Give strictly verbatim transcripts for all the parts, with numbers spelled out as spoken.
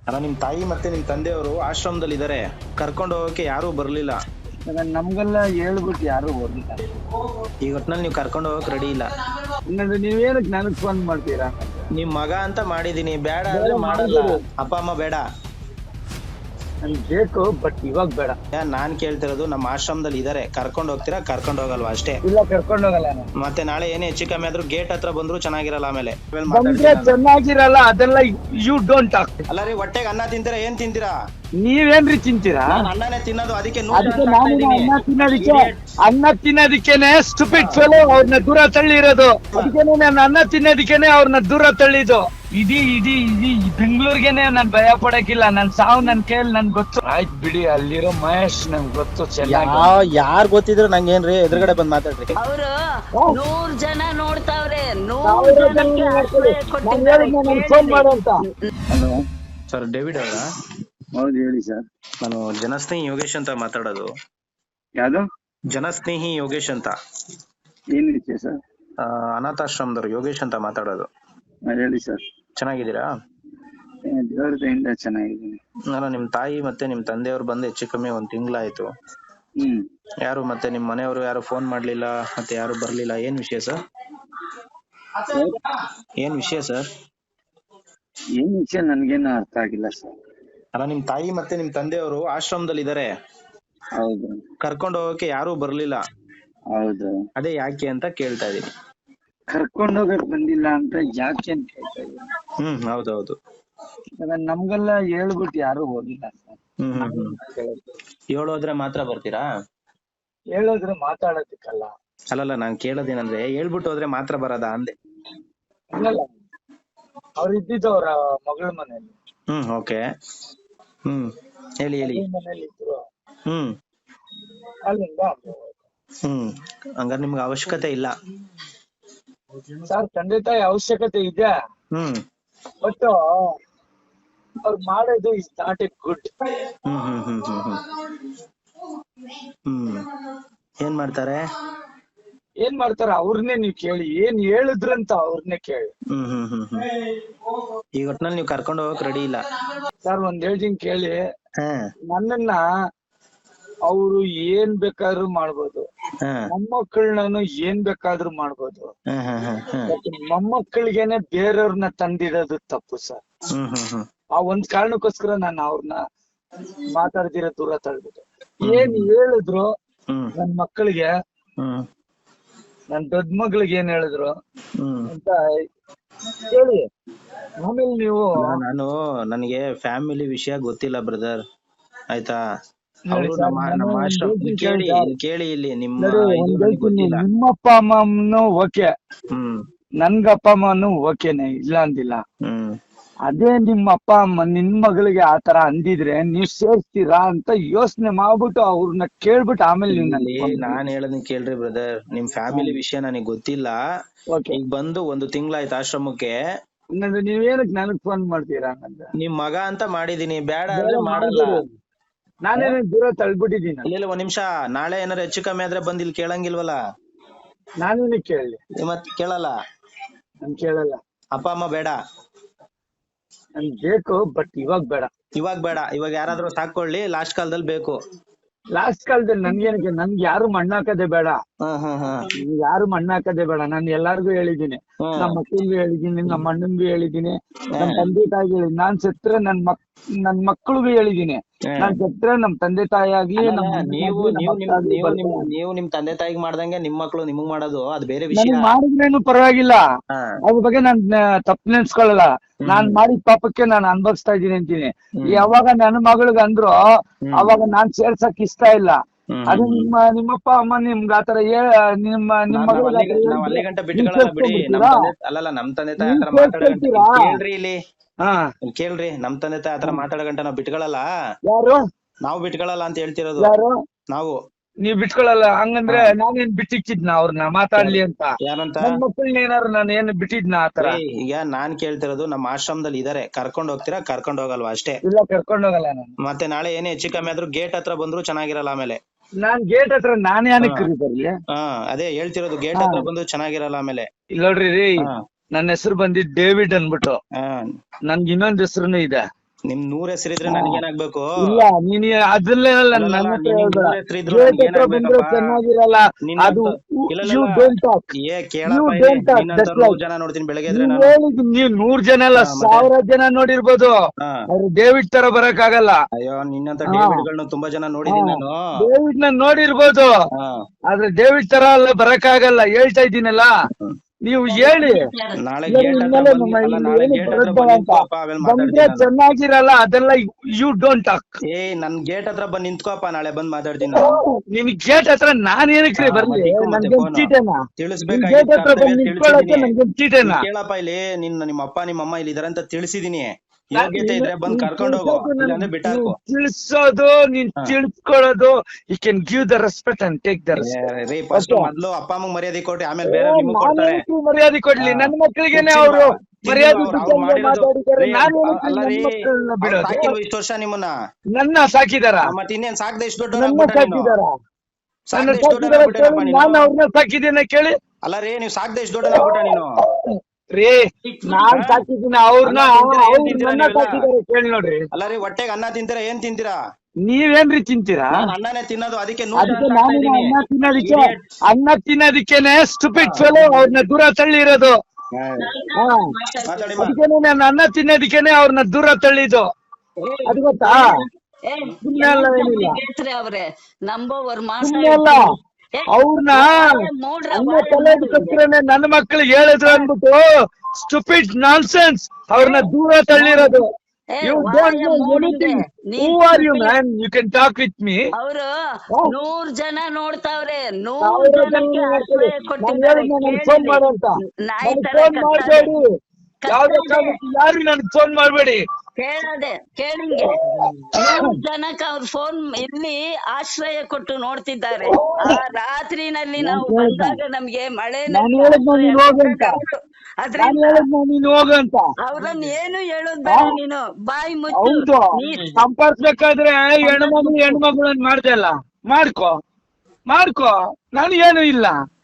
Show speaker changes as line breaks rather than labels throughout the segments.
ಅಲ್ಲ ನಿಮ್ ತಾಯಿ ಮತ್ತೆ ನಿಮ್ ತಂದೆಯವರು ಆಶ್ರಮದಲ್ಲಿ ಇದಾರೆ, ಕರ್ಕೊಂಡು ಹೋಗಕ್ಕೆ ಯಾರು ಬರ್ಲಿಲ್ಲ.
ನಮ್ಗೆಲ್ಲ ಹೇಳ್ಬಿಟ್ಟು ಯಾರು ಬರ್ಲಿಲ್ಲ.
ಈಗ ಒಟ್ನಲ್ಲಿ ನೀವು ಕರ್ಕೊಂಡು ಹೋಗಕ್ ರೆಡಿ ಇಲ್ಲ.
ಹಂಗಂದ್ರೆ ನೀವೇನಕ್ ನನಗ್ ಫೋನ್ ಮಾಡ್ತೀರಾ?
ನಿಮ್ ಮಗ ಅಂತ ಮಾಡಿದೀನಿ, ಬೇಡ ಅಂದ್ರೆ ಮಾಡಲ್ಲ. ಅಪ್ಪ ಅಮ್ಮ ಬೇಡ
ನನ್ಗೆ ಬೇಕು, ಬಟ್ ಇವಾಗ ಬೇಡ.
ನಾನ್ ಕೇಳ್ತಿರೋದು ನಮ್ಮ ಆಶ್ರಮದಲ್ಲಿ ಇದಾರೆ, ಕರ್ಕೊಂಡು ಹೋಗ್ತೀರಾ ಕರ್ಕೊಂಡು ಹೋಗಲ್ವಾ ಅಷ್ಟೇ.
ಇಲ್ಲ, ಕರ್ಕೊಂಡು ಹೋಗಲ್ಲ ನಾನು.
ಮತ್ತೆ ನಾಳೆ ಏನೇ ಹೆಚ್ಚು ಕಮ್ಮಿ ಆದ್ರೂ ಗೇಟ್ ಹತ್ರ ಬಂದ್ರು ಚೆನ್ನಾಗಿರಲ್ಲ. ಆಮೇಲೆ
ಬಂದ್ರೆ ಚೆನ್ನಾಗಿರಲ್ಲ, ಅದೆಲ್ಲ ಯು ಡೋಂಟ್ ಟಾಕ್.
ಅಲ್ಲ ರೀ, ಹೊಟ್ಟೆಗೆ ಅನ್ನ ತಿಂತೀರಾ ಏನ್ ತಿಂತೀರಾ?
ನೀವೇನ್ರಿ ತಿಂತೀರಾ?
ನಾನ್ ಅನ್ನನೇ ತಿನ್ನೋದು, ಅದಕ್ಕೆ
ಅದಕ್ಕೆ ನಾನು ಅನ್ನ ತಿನ್ನೋದಿಕ್ಕೆ ಅನ್ನ ತಿನ್ನೋದಿಕ್ಕೇನೆ ಸ್ಟುಪಿಡ್ ಫೆಲೋ ಅವ್ರನ್ನ ದೂರ ತಳ್ಳಿರೋದು. ಅದಕ್ಕೇನೆ ನಾನು ಅನ್ನ ತಿನ್ನೋದಿಕ್ಕೇನೆ ಅವ್ರನ್ನ ದೂರ ತಳ್ಳಿದ್ದು. ಇಡೀ ಇಡೀ ಇಡೀ ಬೆಂಗಳೂರಿಗೆನೆ ನಾನ್ ಭಯ ಪಡಕ್ಕಿಲ್ಲ. ನನ್ ಸಾವು ನನ್ ಕೈಯಲ್ಲಿ ನನ್ ಗೊತ್ತು. ಆಯ್ತು ಬಿಡಿ, ಅಲ್ಲಿರೋ ಮಹೇಶ್ ನನ್ಗೆ ಗೊತ್ತು ಚೆನ್ನಾಗಿ.
ಯಾರ್ ಗೊತ್ತಿದ್ರು ನಂಗೇನ್ರಿ, ಎದುರುಗಡೆ ಬಂದ್ ಮಾತಾಡ್ರಿ.
ಅವರು ನೂರ್ ಜನ ನೋಡ್ತಾವ್ರೆ, ನೂರ್ ಜನಕ್ಕೆ ಆಶ್ರಯ ಕೊಟ್ಟಿದ್ದಾರೆ.
ಫೋನ್ ಮಾಡು ಅಂತ. ಹಲೋ
ಸರ್, ಡೇವಿಡ್ ಅವರಾ?
ಹೌದು, ಹೇಳಿ ಸರ್.
ನಾನು ಜನಸ್ನೇಹಿ ಯೋಗೇಶ್ ಅಂತ ಮಾತಾಡೋದು.
ಯಾವ್ದು?
ಜನಸ್ನೇಹಿ ಯೋಗೇಶ್ ಅಂತ.
ಏನ್ ವಿಷಯ ಸರ್?
ಆ, ಅನಾಥಾಶ್ರಮದವ್ರು ಯೋಗೇಶ್ ಅಂತ ಮಾತಾಡೋದು.
ಹೇಳಿ ಸರ್.
ಚೆನ್ನಾಗಿದ್ದೀರಾ?
ದೇವರ ದಯೆಯಿಂದ ಚೆನ್ನಾಗಿದ್ದೀನಿ.
ನಾನು ನಿಮ್ ತಾಯಿ ಮತ್ತೆ ನಿಮ್ ತಂದೆಯವ್ರು ಬಂದು ಹೆಚ್ಚು ಕಮ್ಮಿ ಒಂದ್ ತಿಂಗಳಾಯ್ತು.
ಹ್ಮ್.
ಯಾರು ಮತ್ತೆ ನಿಮ್ ಮನೆಯವರು ಯಾರು ಫೋನ್ ಮಾಡ್ಲಿಲ್ಲ, ಮತ್ತೆ ಯಾರು ಬರ್ಲಿಲ್ಲ. ಏನ್ ವಿಷಯ ಸರ್? ಏನ್ ವಿಷಯ ಸರ್?
ಏನ್ ವಿಷಯ ನನ್ಗೇನು ಅರ್ಥ ಆಗಿಲ್ಲ ಸರ್.
ಅಲ್ಲ ನಿಮ್ ತಾಯಿ ಮತ್ತೆ ನಿಮ್ ತಂದೆಯವರು ಆಶ್ರಮದಲ್ಲಿ ಇದಾರೆ,
ಹೌದು.
ಕರ್ಕೊಂಡು ಹೋಗಕ್ಕೆ ಯಾರು ಬರ್ಲಿಲ್ಲ.
ಹೌದು.
ಅದೇ ಯಾಕೆ ಅಂತ ಕೇಳ್ತಾ ಇದೀನಿ.
ಕರ್ಕೊಂಡು ಹೋಗಕ್ ಬಂದಿಲ್ಲ ಅಂತ ಯಾಕೆ ಅಂತ ಕೇಳ್ತಾ ಇದ್ದೀನಿ.
ಹ್ಮ್, ಹೌದೌದು.
ನಮ್ಗೆಲ್ಲ ಹೇಳ್ಬಿಟ್ಟು ಯಾರು ಹೋಗಿಲ್ಲ ಸರ್.
ಹ್ಮ್ ಹ್ಮ್ ಹ್ಮ್ ಹೇಳೋದ್ರೆ ಮಾತ್ರ ಬರ್ತೀರಾ?
ಹೇಳೋದ್ರೆ ಮಾತಾಡೋದಕ್ಕಲ್ಲ.
ಅಲ್ಲಲ್ಲ, ನಾನ್ ಕೇಳೋದೇನಂದ್ರೆ ಹೇಳ್ಬಿಟ್ಟು ಹೋದ್ರೆ ಮಾತ್ರ ಬರೋದಾ ಅಂದೆ.
ಹಂಗಲ್ಲ, ಅವ್ರು ಇದ್ದಿದ್ದು ಅವ್ರ ಮಗಳ ಮನೇಲಿ.
ಹ್ಮ್, ಓಕೆ. ಹ್ಮ್, ಹೇಳಿ ಹೇಳಿ.
ಮನೇಲಿ ಇದ್ರು.
ಹ್ಮ್
ಅಲ್ಲಿಂದ
ಹ್ಮ್ ಹಂಗಾರೆ ನಿಮ್ಗೆ ಅವಶ್ಯಕತೆ ಇಲ್ಲ
ಸರ್. ತಂದೆ ತಾಯಿ ಅವಶ್ಯಕತೆ ಇದೆ,
ಹ್ಮ್
ಬಟ್ ಅವ್ರು ಮಾಡೋದು is not a good.
Hmm hmm hmm hmm hmm hmm ಏನ್ ಮಾಡ್ತಾರೆ?
ಏನ್ ಮಾಡ್ತಾರ ಅವ್ರನ್ನೇ ನೀವ್ ಕೇಳಿ. ಏನ್ ಹೇಳಿದ್ರಂತ ಅವ್ರನ್ನೇ ಕೇಳಿ.
ಹ್ಮ್ ಹ್ಮ್ ಹ್ಮ್ ಹ್ಮ್ ಈಗ ಒಟ್ನಲ್ಲಿ ನೀವು ಕರ್ಕೊಂಡು ಹೋಗಕ್ ರೆಡಿ ಇಲ್ಲ.
ಸರ್, ಒಂದ್ ಹೇಳ್ತೀನಿ ಕೇಳಿ.
ಹಾ
ನನ್ನನ್ನ ಅವ್ರು ಏನ್ ಬೇಕಾದ್ರೂ ಮಾಡ್ಬೋದು,
ಹಾ
ಮೊಮ್ಮಕ್ಕಳನ್ನು ಏನ್ ಬೇಕಾದ್ರೂ ಮಾಡ್ಬೋದು.
ಹಾ ಹಾ ಹಾ ಹಾ
ಮೊಮ್ಮಕ್ಕಳಿಗೇನೆ ಬೇರೆಯವ್ರನ್ನ ತಂದಿರೋದು ತಪ್ಪು ಸರ್.
ಹ್ಮ್ ಹ್ಮ್ ಹ್ಮ್
ಆ ಒಂದ್ ಕಾರಣಕ್ಕೋಸ್ಕರ ನಾನು ಅವ್ರನ್ನ ಮಾತಾಡ್ದಿರೋ ದೂರ ತಳ್ಬಿಟ್ಟೆ. ಏನ್ ಹೇಳಿದ್ರು
ಹ್ಮ್
ನನ್ ಮಕ್ಕಳಿಗೆ,
ಹ್ಮ್
ನನ್ ದೊಡ್ಡ ಮಗಳಿಗೆ ಏನ್ ಹೇಳಿದ್ರು
ಹ್ಮ್
ಅಂತ ಹೇಳಿ. ಆಮೇಲೆ ನೀವು
ನಾನು ನನಗೆ ಫ್ಯಾಮಿಲಿ ವಿಷಯ ಗೊತ್ತಿಲ್ಲ ಬ್ರದರ್, ಆಯ್ತಾ?
ನೋಡಿ
ಅವರು
ಸರ್,
ನಮ್ಮ
ನಾನು
ನಮ್ಮ
ಒಂದ್
ಆಶ್ರಮ
ಹೇಳ್ತೀನಿ
ಕೇಳಿ
ಕೇಳಿ ಸರ್.
ಕೇಳಿ ಇಲ್ಲಿ ನಿಮ್ಮ
ನೋಡಿ,
ಇದು
ಒಂದ್
ನನಗೆ
ಹೇಳ್ತೀನಿ,
ಗೊತ್ತಿಲ್ಲ.
ನಿಮ್ಮಪ್ಪ ಅಮ್ಮನು ಓಕೆ,
ಹ್ಮ್
ನನ್ಗಪ್ಪ ಅಮ್ಮನು ಓಕೆನೆ, ಇಲ್ಲ ಅಂದಿಲ್ಲ.
ಹ್ಮ್
ಅದೇ ನಿಮ್ಮ ಅಪ್ಪ ಅಮ್ಮ ನಿನ್ ಮಗಳಿಗೆ ಆತರ ಅಂದಿದ್ರೆ ನೀವ್ ಸೇರ್ಸ್ತೀರಾ ಅಂತ ಯೋಚನೆ ಮಾಡ್ಬಿಟ್ಟು ಅವ್ರನ್ನ ಕೇಳ್ಬಿಟ್ಟು ಆಮೇಲೆ ನೀವು
ಇಲ್ಲಿ ನಾನ್ ಹೇಳೋದನ್ನ ಕೇಳ್ರಿ ಬ್ರದರ್. ನಿಮ್ ಫ್ಯಾಮಿಲಿ ವಿಷಯ ನನಗೆ ಗೊತ್ತಿಲ್ಲ.
ಓಕೆ.
ಈಗ ಬಂದು ಒಂದು ತಿಂಗಳಾಯ್ತು ಆಶ್ರಮಕ್ಕೆ.
ಹಂಗಂದ್ರೆ ನೀವೇನಕ್ ನನಗ್ ಫೋನ್ ಮಾಡ್ತೀರಾ? ಹಂಗಂದ್ರೆ
ನಿಮ್ ಮಗ ಅಂತ ಮಾಡಿದೀನಿ, ಬೇಡ ಅಂದ್ರೆ ಮಾಡಲ್ಲ.
ನಾನೇನ ದೂರ ತಳ್ಬಿಟ್ಟಿದ್ದೀನಿ.
ಇಲ್ಲ ಒಂದ್ ನಿಮಿಷ, ನಾಳೆ ಏನಾರ ಹೆಚ್ಚು ಕಮ್ಮಿ ಆದ್ರೆ ಬಂದ್ ಇಲ್ಲಿ ಕೇಳಂಗಿಲ್ವಲ್ಲ?
ನಾನೇನಕ್ ಕೇಳಲಿ?
ಮತ್ ಕೇಳಲ್ಲ?
ನನ್ ಕೇಳಲ್ಲ.
ಅಪ್ಪ ಅಮ್ಮ ಬೇಡ?
ನನ್ ಬೇಕು, ಬಟ್ ಇವಾಗ ಬೇಡ.
ಇವಾಗ ಬೇಡ, ಇವಾಗ ಯಾರಾದ್ರೂ ಸಾಕೊಳ್ಳಿ, ಲಾಸ್ಟ್ ಕಾಲದಲ್ಲಿ ಬೇಕು.
ಲಾಸ್ಟ್ ಕಾಲದಲ್ಲಿ ನನ್ಗೇನಕ್ಕೆ? ನನ್ಗೆ ಯಾರು ಮಣ್ಣಾಕದೆ ಬೇಡ.
ಹ್ಮ್ ಹ್ಮ್ ಹ್ಮ್
ಯಾರು ಮಣ್ಣಾಕದೆ ಬೇಡ. ನಾನು ಎಲ್ಲಾರ್ಗು ಹೇಳಿದ್ದೀನಿ, ನಮ್ಮ ಮಕ್ಕಳಿಗೂ ಹೇಳಿದ್ದೀನಿ, ನಮ್ಮ ಅಣ್ಣನ್ಗೂ ಹೇಳಿದ್ದೀನಿ, ನಮ್ ತಂದೆ ತಾಯಿಗೆ ಹೇಳಿದ್ದೀನಿ. ನಾನ್ ಸತ್ರೆ ನನ್ ಮಕ್ ನನ್ ಮಕ್ಕಳಿಗೂ ಹೇಳಿದ್ದೀನಿ. ನಾನ್ ಸತ್ರೆ ನಮ್ ತಂದೆ ತಾಯಿ ಆಗ್ಲಿ,
ನೀವು ನೀವು ನೀವು ನಿಮ್ ತಂದೆ ತಾಯಿಗೆ ಮಾಡ್ದಂಗೆ ನಿಮ್ ಮಕ್ಳು ನಿಮಗ್ ಮಾಡೋದು ಅದು ಬೇರೆ ವಿಷಯ.
ಮಾಡಿದ್ರೇನು ಪರವಾಗಿಲ್ಲ, ಅದ್ರ ಬಗ್ಗೆ ನಾನ್ ತಪ್ಪು ನೆನ್ಸ್ಕೊಳ್ಳಲ್ಲ. ನಾನ್ ಮಾಡಿದ ಪಾಪಕ್ಕೆ ನಾನು ಅನ್ಭವಿಸ್ತಾ ಇದ್ದೀನಿ ಅಂತೀನಿ. ಯಾವಾಗ ನನ್ನ ಮಗಳಿಗೆ ಅಂದ್ರು ಅವಾಗ ನಾನ್ ಸೇರ್ಸಕ್ ಇಷ್ಟ ಇಲ್ಲ. ಅದು ನಿಮ್ಮ ನಿಮ್ಮಪ್ಪ ಅಮ್ಮ ನಿಮ್ಗೆ ಆತರ ನಿಮ್ಮ ನಿಮ್ ಮಗಳಿಗೆ
ಅಲ್ಲಿ ಗಂಟ ಬಿಟ್ಕೊಳ್ಳಲ್ಲ ಬಿಡಿ. ಅಲ್ಲಲ್ಲ, ನಮ್ ತಂದೆ ತಾಯಿ ಆತರ ಮಾತಾಡೋ ಕೇಳ್ರಿ ಇಲ್ಲಿ.
ಹಾ
ಕೇಳ್ರಿ, ನಮ್ ತಂದೆ ತಾಯಿ ಆತರ ಮಾತಾಡೋ ಗಂಟ ನಾವ್ ಬಿಟ್ಕೊಳ್ಳಲ್ಲ.
ಯಾರು?
ನಾವು ಬಿಟ್ಕೊಳ್ಳಲ್ಲ ಅಂತ ಹೇಳ್ತಿರೋದು.
ಯಾರು?
ನಾವು.
ನೀವ್ ಬಿಟ್ಕೊಳಲ್ಲ? ಹಂಗಂದ್ರೆ ನಾನೇನ್ ಬಿಟ್ಟಿಕ್ಕಿದ್ನ ಅವ್ರನ್ನ ಮಾತಾಡ್ಲಿ ಅಂತ?
ಯಾರಂತ?
ನನ್ ಮಕ್ಕಳನ್ನ ಏನಾರು ನಾನು ಏನ್ ಬಿಟ್ಟಿದ್ನ ಆತರ?
ಈಗ ನಾನ್ ಕೇಳ್ತಿರೋದು, ನಮ್ಮ ಆಶ್ರಮದಲ್ಲಿ ಇದಾರೆ, ಕರ್ಕೊಂಡ್ ಹೋಗ್ತೀರಾ ಕರ್ಕೊಂಡ್ ಹೋಗಲ್ವಾ ಅಷ್ಟೇ.
ಇಲ್ಲ, ಕರ್ಕೊಂಡ್ ಹೋಗಲ್ಲ ನಾನು.
ಮತ್ತೆ ನಾಳೆ ಏನೇ ಹೆಚ್ಚು ಕಮ್ಮಿ ಆದ್ರೂ ಗೇಟ್ ಹತ್ರ ಬಂದ್ರು ಚೆನ್ನಾಗಿರಲ್ಲ. ಆಮೇಲೆ
ನಾನ್ ಗೇಟ್ ಹತ್ರ ನಾನೇ ಏನಕ್ಕೆ ಕರೀತಾರ್ಲಿ?
ಹಾ ಅದೇ ಹೇಳ್ತಿರೋದು, ಗೇಟ್ ಹತ್ರ ಬಂದು ಚೆನ್ನಾಗಿರಲ್ಲ ಆಮೇಲೆ.
ಇಲ್ಲ ನೋಡ್ರಿ ರೀ, ನನ್ನ ಹೆಸರು ಬಂದಿದ್ ಡೇವಿಡ್ ಅನ್ಬಿಟ್ಟು. ನನ್ಗೆ ಇನ್ನೊಂದ್ ಹೆಸರುನು ಇದೆ.
ನಿಮ್ ನೂರ್ ಹೆಸರಿದ್ರೆ ನನ್ಗೇನಾಗ್ಬೇಕು?
ಇಲ್ಲ ನೀನ್ ಅದನ್ನೆಲ್ಲ
ಅಲ್ಲಲ್ಲ,
ನನ್ನ ಹತ್ರ
ನಿನ್
ಹೇಳ್ಬೇಡ.
ನೂರ್ ಹೆಸರಿದ್ರು
ಗೇಟ್ ಹತ್ರ ಬಂದ್ರೆ
ನನ್ಗೇನಾಗ್ಬೇಕಪ್ಪ?
ಚೆನ್ನಾಗಿರಲ್ಲ. ಅದು
ನಿನ್ನಂತ ಇಲ್ಲ
ಯು
ಇಲ್ಲ
ಡೋಂಟ್ ಟಾಕ್,
ಏ
ಯು
ಕೇಳಪ್ಪ ಇಲ್ಲಿ,
ಡೋಂಟ್ ಟಾಕ್.
ನಿನ್ನಂತ
ದಟ್ಸ್
ನೂರ್
ಲೈಕ್
ಜನ ನೋಡ್ತೀನಿ ಬೆಳಗ್ಗೆ ಎದ್ರೆ
ನೀವ್
ನಾನು.
ಹೇಳಿದ್ ನೀವ್ ನೂರ್ ಜನ ಅಲ್ಲ,
ಹಾ, ಮತ್ತೆ?
ಸಾವಿರ ಜನ ನೋಡಿರ್ಬೋದು,
ಹಾ.
ಆದ್ರೆ ಡೇವಿಡ್ ತರ ಬರಕ್ ಆಗಲ್ಲ.
ಅಯ್ಯೋ ನಿನ್ನಂತ
ಹಾ
ಡೇವಿಡ್ಗಳನ್ನ ತುಂಬಾ ಜನ
ಹಾ
ನೋಡಿದೀನಿ ನಾನು.
ಡೇವಿಡ್ ನ ನೋಡಿರ್ಬೋದು,
ಹಾ.
ಆದ್ರೆ ಡೇವಿಡ್ ತರ ಎಲ್ಲ ಬರಕ್ ಆಗಲ್ಲ. ಹೇಳ್ತಾ ಇದ್ದೀನಲ್ಲ, ನೀವು ಹೇಳಿ.
ನಾಳೆ
ಇಲ್ಲರಿ
ಗೇಟ್ ಹತ್ರ
ಇನ್ಮೇಲೆ
ಬಂದ್
ನಮ್ಮ
ಅಲ್ಲ
ಇಲ್ಲಿ
ನಾಳೆ
ಏನು
ಗೇಟ್ ಹತ್ರ
ಬರದ್ಬೇಡ
ಬಂದ್
ಅಂತ.
ನಿಂತ್ಕೋಪ್ಪ, ಆಮೇಲೆ
ಬಂದ್ರೆ
ಮಾತಾಡ್ತೀನಿ ನಾನು.
ಚೆನ್ನಾಗಿರಲ್ಲ, ಅದೆಲ್ಲ ಯು ಡೋಂಟ್ ಟಾಕ್.
ಏ ನನ್ ಗೇಟ್ ಹತ್ರ ಬಂದ್ ನಿಂತ್ಕೋಪ್ಪ, ನಾಳೆ ಬಂದ್ ಮಾತಾಡ್ತೀನಿ ನಾನು.
ನಿನ್ ಗೇಟ್ ಹತ್ರ ನಾನ್ ಏನಕ್ರಿ
ಹಾ,
ಬರ್ಲಿ?
ಮತ್ತೆ ಇಕ್ಕು ಮತ್ತೆ
ನನ್ಗೇನ್
ಫೋನ್
ಚೀಟೇನಾ? ನಿನ್ ಗೇಟ್
ತಿಳಿಸ್ಬೇಕಾಗಿದ್ದ
ಹತ್ರ
ಕರ್ತವ್ಯ
ಬಂದ್ ನಿಂತ್ಕೊಳ್ಳಕ್ಕೆ
ತಿಳಿಸಿದೀನಿ.
ನನ್ಗೇನ್
ಇಲ್ಲಿ
ಚೀಟೇನಾ?
ಕೇಳಪ್ಪ, ಇಲ್ಲಿ ನಿನ್ನ ನಿಮ್ಮ ಅಪ್ಪ ನಿಮ್ಮ ಅಮ್ಮ ಇಲ್ಲಿ ಇದಾರೆ ಅಂತ ತಿಳಿಸಿದೀನಿ.
ನಾ-
ಯೋಗ್ಯತೆ
ನೀನು-
ಇದ್ರೆ ಬಂದ್
ನೀನ್
ಕರ್ಕೊಂಡ್ ಹೋಗು,
ತಿಳ್ಸೋದು ನನ್-
ಇಲ್ಲಾಂದ್ರೆ
ನೀನ್
ಬಿಟ್ಟಾಕು.
ತಿಳ್ಸೋದು, ನೀನ್
ಹಾ.
ತಿಳ್ಸ್ಕೊಳ್ಳೋದು, you can give the respect and take the
uh,
respect.
ರೀ ಫಸ್ಟ್
ಓಕೆ,
ಮೊದ್ಲು ಅಪ್ಪ ಅಮ್ಮಗ್ ಮರ್ಯಾದೆ ಕೊಟ್ಟಿ ಆಮೇಲೆ ಬೇರೆ ನಿಮಗ್
ನಾನು
ಕೊಡ್ತಾರೆ.
ಏನಕ್ಕೆ ಮರ್ಯಾದೆ ಕೊಡ್ಲಿ?
ಹಾ.
ನನ್ನ ಮಕ್ಕಳಿಗೇನೆ
ಹುಚ್ಚಿಲ್ವಾ?
ಅವರು
ತಿಂದಿಲ್ವಾ
ಮರ್ಯಾದೆ
ಅವ್ರು? ಅವ್ರು
ಬಿಟ್ಟಂಗೆ
ಮಾಡಿರೋದು
ಮಾತಾಡಿದ್ದಾರೆ.
ರೀ,
ನಾನು
ಅ-
ಏನಕ್ಕೆ
ಅಲ್ಲ
ನನ್ನ
ರೀ,
ಮಕ್ಕಳನ್ನ
ಅವ್ರು
ಬಿಡೋದು?
ಸಾಕಿಲ್ವ ಇಷ್ಟು ವರ್ಷ ನಿಮ್ಮನ್ನ?
ನನ್ನ ಸಾಕಿದಾರ,
ಆ, ಮತ್ತೆ ಇನ್ನೇನ್ ಸಾಕ್ದೆ ಇಷ್ಟು ದೊಡ್ಡ
ನನ್ನ
ಆಗ್ಬಿಟ್ಟ ನೀನು?
ಸಾಕಿದಾರ, ನನ್ನ
ಸಾಕ್ದೆ ಇಷ್ಟು ದೊಡ್ಡ
ಸಾಕಿದಾರ
ಆಗ್ಬಿಟ್ಟೇನಪ್ಪ
ಕೇಳಿ.
ನೀನು?
ನಾನು ಅವ್ರನ್ನ ಸಾಕಿದ್ದೇನೆ ಕೇಳಿ.
ಅಲ್ಲ ರೀ, ನೀವು ಸಾಕ್ದೆ ಇಷ್ಟು ದೊಡ್ಡ ಆಗ್ಬಿಟ್ಟ ನೀನು?
ರೀ ನಾನ್
ಹಾ?
ಸಾಕಿದ್ದೀನಿ ಅವ್ರನ್ನ,
ಅನ್ನ ತಿಂತೀರಾ, ಏನ್
ಅವ್ರು
ತಿಂತೀರಾ
ನನ್ನ
ನೀವೆಲ್ಲ?
ಸಾಕಿದ್ದಾರೆ ಕೇಳಿ ನೋಡ್ರಿ.
ಅಲ್ಲ ರೀ, ಹೊಟ್ಟೆಗೆ ಅನ್ನ ತಿಂತೀರಾ, ಏನ್ ತಿಂತೀರಾ?
ನೀವೇನ್ರಿ ತಿಂತೀರಾ?
ನಾನ್ ಅನ್ನನೇ ತಿನ್ನೋದು, ಅದಕ್ಕೆ ನೂರ್ ಜನ
ಅದಕ್ಕೆ
ಸಾಕ್ತಾ
ನಾನು
ಇದೀನಿ.
ಅನ್ನ ತಿನ್ನೋದಿಕ್ಕೆ,
Idiot.
ಅನ್ನ ತಿನ್ನೋದಿಕ್ಕೇನೆ ಸ್ಟುಪಿಡ್ ಫೆಲೋ ಅವ್ರನ್ನ ದೂರ ತಳ್ಳಿರೋದು.
ಹಾ.
ಹಾ,
ಮಾತಾಡಿ ಮಾ.
ಅದಕ್ಕೇನೆ ನಾನು ಅನ್ನ ತಿನ್ನೋದಿಕ್ಕೇನೆ ಅವ್ರನ್ನ ದೂರ ತಳ್ಳಿದ್ದು. ಅದು ಗೊತ್ತಾ?
ಏ,
ಸುಮ್ನೆ ಅಲ್ಲ, ಏನಿಲ್ಲ
ಹೇಳ್ತ್ರಿ ಅವ್ರೆ ನಂಬೋವರ್
ಸುಮ್ನೆ ಅಲ್ಲ. ಅವ್ರನ್ನ ಅನ್ನ ತಲೆಗೆ ಕತ್ತರೇನೆ ನನ್ನ ಮಕ್ಳಿಗೆ ಹೇಳಿದ್ರು ಅನ್ಬಿಟ್ಟು ಸ್ಟುಪಿಡ್ ನಾನ್ಸೆನ್ಸ್ ಅವ್ರನ್ನ ದೂರ ತಳ್ಳಿರೋದು. You don't know anything. Who are you, man? You can talk with me.
ಅವರು ನೂರ್ ಜನ ನೋಡ್ತಾವ್ರೆ, ನೂರ್
ಸಾವಿರ ಜನ
ಜನಕ್ಕೆ
ನೋಡ್ತಾರೆ.
ಆಶ್ರಯ
ನಾನು
ಕೊಟ್ಟಿದ್ದಾರೆ.
ಹೇಳಿದ್ನ ನನ್ಗೆ ಫೋನ್ ಮಾಡು ಅಂತ.
ನಾಯಿ
ನನ್ಗೆ
ತರ
ಫೋನ್
ಕತ್ತಾರೆ.
ಮಾಡಬೇಡಿ, ಯಾವ್ದೇ ಕಾರಣಕ್ಕೂ ಯಾರು ನನ್ಗೆ ಫೋನ್ ಮಾಡಬೇಡಿ.
ಕೇಳದೆ ಕೇಳಿಂಗೆ ನೂರ್ ಜನಕ್ಕೆ ಅವ್ರ ಫೋನ್ ಇಲ್ಲಿ ಆಶ್ರಯ ಕೊಟ್ಟು ನೋಡ್ತಿದ್ದಾರೆ. ಆ ರಾತ್ರಿನಲ್ಲಿ ನಾವು ಬಂದಾಗ ನಮ್ಗೆ ಮಳೆ
ನಾನು ಹೇಳಿದ್ನ ನೀನು ಹೋಗು ಅಂತ. ನಾನು
ಅದ್ರಿಂದ
ಹೇಳಿದ್ನ ನೀನು ಹೋಗು ಅಂತ.
ಅವ್ರನ್ನ ಏನು ಹೇಳೋದ್ ಬೇಡ, ನೀನು ಬಾಯಿ ಮುಚ್ಚು.
ಹೌದು,
ನೀ-
ಸಂಪರ್ಸ್ಬೇಕಾದ್ರೆ ಹೆಣ್ಮಗಳು ಹೆಣ್ಮಗಳನ್ನ ಮಾಡ್ದೆ ಅಲ್ಲ, ಮಾಡ್ಕೋ ಮಾಡ್ಕೋ, ನನಗೇನು ಇಲ್ಲ.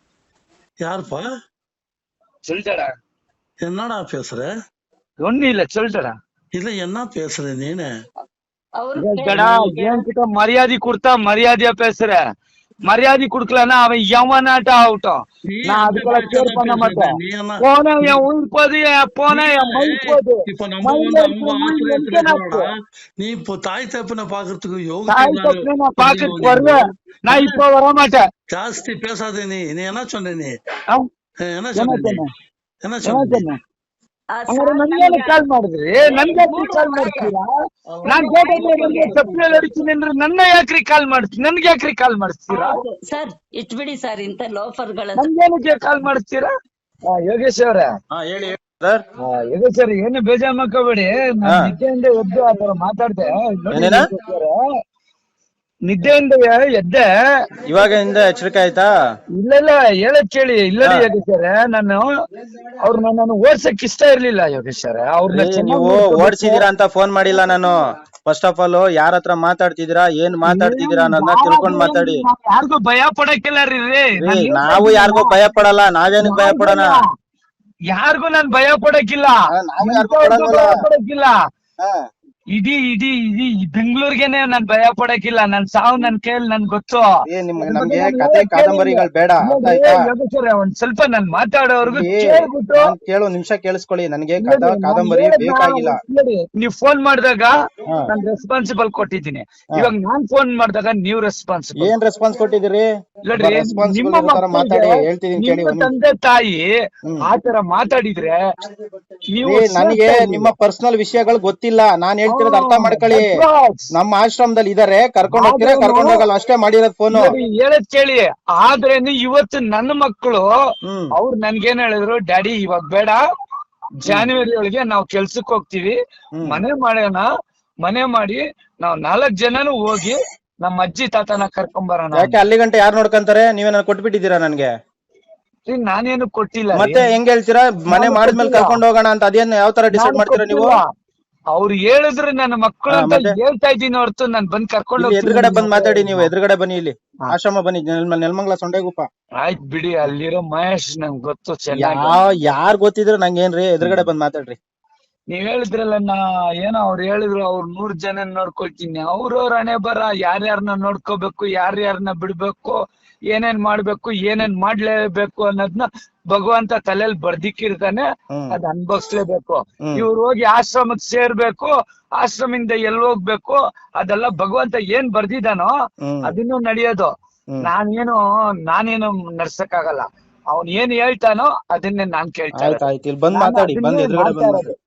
யாருப்பா?
சொல்லிட்டடா,
என்னடா பேசுற?
ஒண்ணு இல்ல சொல்லிட்டடா.
இல்ல என்ன பேசுற நீனு?
ಅವ್ರು
இல்லடா, என்கிட்ட மரியாதை கொடுத்தா மரியாதையா பேசுற, மரியாதை குடுக்கலன்னா அவன் எவனாட்டம் ஆகட்டும்,
நீ
நான்
அந்த
அதுக்குள்ள
பேச்சை
கேர்
தான்
பண்ண
பேசுற.
மாட்டேன்.
நீ என்ன
போனா என் உயிர் போது, என் போனா என் மயில் போது.
இப்ப நம்ம
மயில்
வந்து
இருக்கிற
அவங்க
உயிர்
ஆசிரியத்துல
எங்க
இருக்கிறோம்டா.
நாக்கு?
நீ இப்போ தாய் தப்பனை பாக்குறதுக்கு
தாய்
யோகிச்சு
தப்பனை நான் பாக்கிறதுக்கு வருவேன், நான் இப்ப வர மாட்டேன்.
ஜாஸ்தி பேசாத. நீ நீ என்ன சொன்ன? நீ
ஆ?
என்ன
என்ன
சொன்ன? நீ
சொன்னேன்?
என்ன
என்ன
சொன்ன?
சொன்னேன்?
ಆ
ಹಂಗಾರೆ ನನ್ಗೇನು ಕಾಲ್ ಮಾಡಿದ್ರಿ? ನನ್ಗೆ ಯಾಕ್ರಿ ಕಾಲ್ ಮಾಡ್ತೀರಾ? ನಾನ್ ಗೇಟಲ್ಲಿ ನನಗೆ ಚಪ್ಪಲಿ ಹೊಡಿತೀನಿ ಅಂದ್ರೆ ನನ್ನ ಯಾಕ್ರಿ ಕಾಲ್ ಮಾಡ್ತೀನಿ? ನನ್ಗೆ ಯಾಕ್ರಿ ಕಾಲ್ ಮಾಡಿಸ್ತೀರಾ?
ಸರ್ ಇಟ್ಬಿಡಿ ಸರ್, ಇಂತ ಲೋಫರ್ಗಳ
ನನ್ಗೇನಕ್ಕೆ ಕಾಲ್ ಮಾಡಿಸ್ತೀರಾ? ಹಾ, ಯೋಗೇಶ್ ಅವ್ರೆ,
ಹಾ, ಹೇಳಿ ಸರ್.
ಹಾ, ಯೋಗೇಶ್ ಅವ್ರೆ, ಏನು ಬೇಜಾರ್ ಮಾಡ್ಕೋಬೇಡಿ. ನಾನ್ ನಿದ್ದೆಯಿಂದ ಎದ್ದು ಆ ತರ ಮಾತಾಡ್ದೆ. ನೋಡಿ
ಏನೇನ?
ಯೋಗೇಶ್ ಅವ್ರೆ, ನಿದ್ದೆಯಿಂದ ಎದ್ದೆ.
ಇವಾಗಿಂದ ಎಚ್ಚರಿಕೆ ಆಯ್ತಾ?
ಇಲ್ಲ ಇಲ್ಲ, ಹೇಳಕ್ ಕೇಳಿ. ಇಲ್ಲರಿ ಯೋಗೇಶ್ ಅವ್ರೆ, ನಾನು ಅವ್ರನ್ನ ನಾನು ಓಡ್ಸಕ್ ಇಷ್ಟ ಇರ್ಲಿಲ್ಲ ಯೋಗೇಶ್ ಅವ್ರೆ. ಅವ್ರನ್ನ
ನೀವು ಓಡಿಸಿದೀರಾ ಅಂತ ಫೋನ್ ಮಾಡಿಲ್ಲ ನಾನು. ಫಸ್ಟ್ ಆಫ್ ಆಲ್ ಯಾರ ಹತ್ರ ಮಾತಾಡ್ತಿದ್ದೀರಾ, ಏನ್ ಮಾತಾಡ್ತಿದ್ದೀರಾ ಅನ್ನೋದನ್ನ ತಿಳ್ಕೊಂಡ್ ಮಾತಾಡಿ.
ಯಾರಿಗೂ ಭಯ ಪಡಕ್ಕಿಲ್ಲ ರೀ.
ರೀ, ನಾವು ಯಾರಿಗೂ ಭಯ ಪಡಲ್ಲ, ನಾವೇನಕ್ ಭಯ ಪಡೋಣ?
ಯಾರಿಗೂ ನಾನ್ ಭಯ ಪಡಕ್ಕಿಲ್ಲ,
ನಾವು ಯಾರಿಗೂ
ಎಂತವ್ರಿಗೂ
ಪಡಲ್ವಲ್ಲ.
ಭಯ ಪಡಕ್ಕಿಲ್ಲ. ಇಡೀ ಇಡೀ ಇಡೀ ಬೆಂಗಳೂರಿಗೆನೆ ನಾನ್ ಭಯ ಪಡಕ್ಕಿಲ್ಲ. ನನ್ ಸಾವು ನನ್ ಕೈಯಲ್ಲಿ ನನ್ ಗೊತ್ತು.
ಏ, ನಿಮ್ಗೆ ನಮ್ಗೆ ಕತೆ ಕಾದಂಬರಿಗಳು ಬೇಡ, ಅರ್ಥ ಆಯ್ತಾ?
ಯೋಗೇಶ್ವರ, ಒಂದ್ ಸ್ವಲ್ಪ ನಾನ್ ಮಾತಾಡೋರ್ಗು
ಏ,
ಕೇಳ್ಬಿಟ್ಟು
ನಾನ್ ಕೇಳು ನಿಮಿಷ ಕೇಳಿಸ್ಕೊಳ್ಳಿ. ನನಗೆ ಕಥಾ ಕಾದಂಬರಿ ಬೇಕಾಗಿಲ್ಲ.
ನೀವ್ ಫೋನ್ ಮಾಡಿದಾಗ
ಹಾ.
ನಾನ್ ರೆಸ್ಪಾನ್ಸಿಬಲ್ ಕೊಟ್ಟಿದ್ದೀನಿ. ಇವಾಗ ನಾನ್ ಫೋನ್ ಮಾಡಿದಾಗ ನೀವ್ ರೆಸ್ಪಾನ್ಸಿಬಲ್.
ಏನ್ ರೆಸ್ಪಾನ್ಸ್ ಕೊಟ್ಟಿದ್ದೀರಿ?
ನೋಡ್ರಿ,
ರೆಸ್ಪಾನ್ಸಿಬಲ್
ನಿಮ್ಮ
ತರ ಮಾತಾಡಿ,
ಮಕ್ಕಳಿಗೆ
ಹೇಳ್ತಿದೀನಿ ಕೇಳಿ.
ನಿಮ್ಮ
ಒಂದ್
ತಂದೆ ತಾಯಿ
ಹ್ಮ್.
ಆತರ ಮಾತಾಡಿದ್ರೆ ನೀವು
ಏ, ನನಗೆ ನಿಮ್ಮ ಪರ್ಸನಲ್ ವಿಷಯಗಳು ಗೊತ್ತಿಲ್ಲ. ನಾನ್ ಹೇಳ್ತಿರೋದು ಅರ್ಥ ಮಾಡ್ಕೊಳ್ಳಿ. ನಮ್ಮ ಆಶ್ರಮದಲ್ಲಿ ಇದಾರೆ, ಕರ್ಕೊಂಡ್ ಹೋಗ್ತೀರಾ, ಕರ್ಕೊಂಡ್ ಹೋಗಲ್ಲ, ಅಷ್ಟೇ ಮಾಡಿರೋದ್ ಫೋನು.
ಹೇಳದ್ ಕೇಳಿ. ಆದ್ರೇನು ಇವತ್ತು ನನ್ನ ಮಕ್ಕಳು
ಹ್ಮ್.
ಅವ್ರು ನನ್ಗೇನ್ ಹೇಳಿದ್ರು, ಡ್ಯಾಡಿ ಇವಾಗ ಬೇಡ, ಜಾನ್ವರಿ ಒಳಗೆ ನಾವ್ ಕೆಲ್ಸಕ್ ಹೋಗ್ತೀವಿ,
ಹ್ಮ್.
ಮನೆ ಮಾಡೋಣ, ಮನೆ ಮಾಡಿ ನಾವ್ ನಾಲ್ಕ್ ಜನನು ಹೋಗಿ ನಮ್ಮ ಅಜ್ಜಿ ತಾತನ ಕರ್ಕೊಂಡ್ ಬರೋಣ.
ಯಾಕೆ ಅಲ್ಲಿ ಗಂಟೆ ಯಾರು ನೋಡ್ಕೊಂತಾರೆ? ನೀವೇನ ಕೊಟ್ಬಿಟ್ಟಿದ್ದೀರಾ ನನ್ಗೆ?
ರೀ, ನಾನೇನು ಕೊಟ್ಟಿಲ್ಲ ರೀ.
ಮತ್ತೆ ಹೆಂಗ್ ಹೇಳ್ತೀರಾ ಮನೆ ಮಾಡಿದ್ಮೇಲೆ ಕರ್ಕೊಂಡ್ ಹೋಗೋಣ ಅಂತ? ಅದೇನ್ ಯಾವ ತರ ಡಿಸೈಡ್
ನಾನು
ಮಾಡ್ತೀರಾ ನೀವು?
ಕೊಟ್ಟಿಲ್ಲ. ಅವ್ರು ಹೇಳಿದ್ರೆ ನನ್ನ ಮಕ್ಕಳು
ಹಾ,
ಅಂತ
ಮತ್ತೆ?
ಹೇಳ್ತಾ ಇದ್ದೀನಿ ಹೊರತು ನಾನ್ ಬಂದ್ ಕರ್ಕೊಂಡು
ಇಲ್ಲಿ ಎದುರುಗಡೆ ಬಂದ್ ಮಾತಾಡಿ. ನೀವು
ಹೋಗ್ತೀನಿ.
ಎದುರುಗಡೆ ಬನ್ನಿ, ಇಲ್ಲಿ
ಹಾ.
ಆಶ್ರಮ ಬನ್ನಿ, ನೆಲ್- ನೆಲಮಂಗಲ ಸೊಂಡೆಗುಪ್ಪ.
ಆಯ್ತ್ ಬಿಡಿ, ಅಲ್ಲಿರೋ ಮಹೇಶ್ ನಂಗೆ ಗೊತ್ತು ಚೆನ್ನಾಗಿ.
ಯಾವ ಯಾರ್ ಗೊತ್ತಿದ್ರು ನಂಗೇನ್ರಿ, ಎದುರುಗಡೆ ಬಂದ್ ಮಾತಾಡ್ರಿ.
ನೀವ್ ಹೇಳಿದ್ರಲ್ಲ ನಾ ಏನೋ ಅವ್ರು ಹೇಳಿದ್ರು ಅವ್ರು ನೂರ್ ಜನ ನೋಡ್ಕೊಳ್ತೀನಿ, ಅವ್ರವ್ರ ಹಣೆ ಬರ ಯಾರ್ಯಾರನ್ನ ನೋಡ್ಕೋಬೇಕು, ಯಾರ್ಯಾರನ್ನ ಬಿಡ್ಬೇಕು, ಏನೇನ್ ಮಾಡ್ಬೇಕು, ಏನೇನ್ ಮಾಡ್ಲೇಬೇಕು ಅನ್ನೋದ್ನ ಭಗವಂತ ತಲೆಯಲ್ಲಿ ಬರ್ದಿಕ್ಕಿರ್ತಾನೆ.
ಹ್ಮ್.
ಅದ್ ಅನ್ಭವಿಸ್ಲೇಬೇಕು.
ಹ್ಮ್.
ಇವ್ರು ಹೋಗಿ ಆಶ್ರಮಕ್ ಸೇರ್ಬೇಕು, ಆಶ್ರಮದಿಂದ ಎಲ್ ಹೋಗ್ಬೇಕು, ಅದೆಲ್ಲ ಭಗವಂತ ಏನ್ ಬರ್ದಿದಾನೋ
ಹ್ಮ್.
ಅದನ್ನು ನಡೆಯೋದು.
ಹ್ಮ್.
ನಾನೇನು ನಾನೇನು ನಡ್ಸಕ್ ಆಗಲ್ಲ. ಅವ್ನ್ ಏನ್ ಹೇಳ್ತಾನೋ ಅದನ್ನೇ ನಾನ್ ಕೇಳ್ತಾ
ಆಯ್ತು
ಇರೋದು.
ಆಯ್ತು ಇಲ್ಲಿ ಬಂದ್
ನಾನು
ಮಾತಾಡಿ, ಬಂದ್
ಅದನ್ನೇ
ಎದುರುಗಡೆ
ಮಾಡ್ತಾ
ಬಂದ್
ಇರೋದು.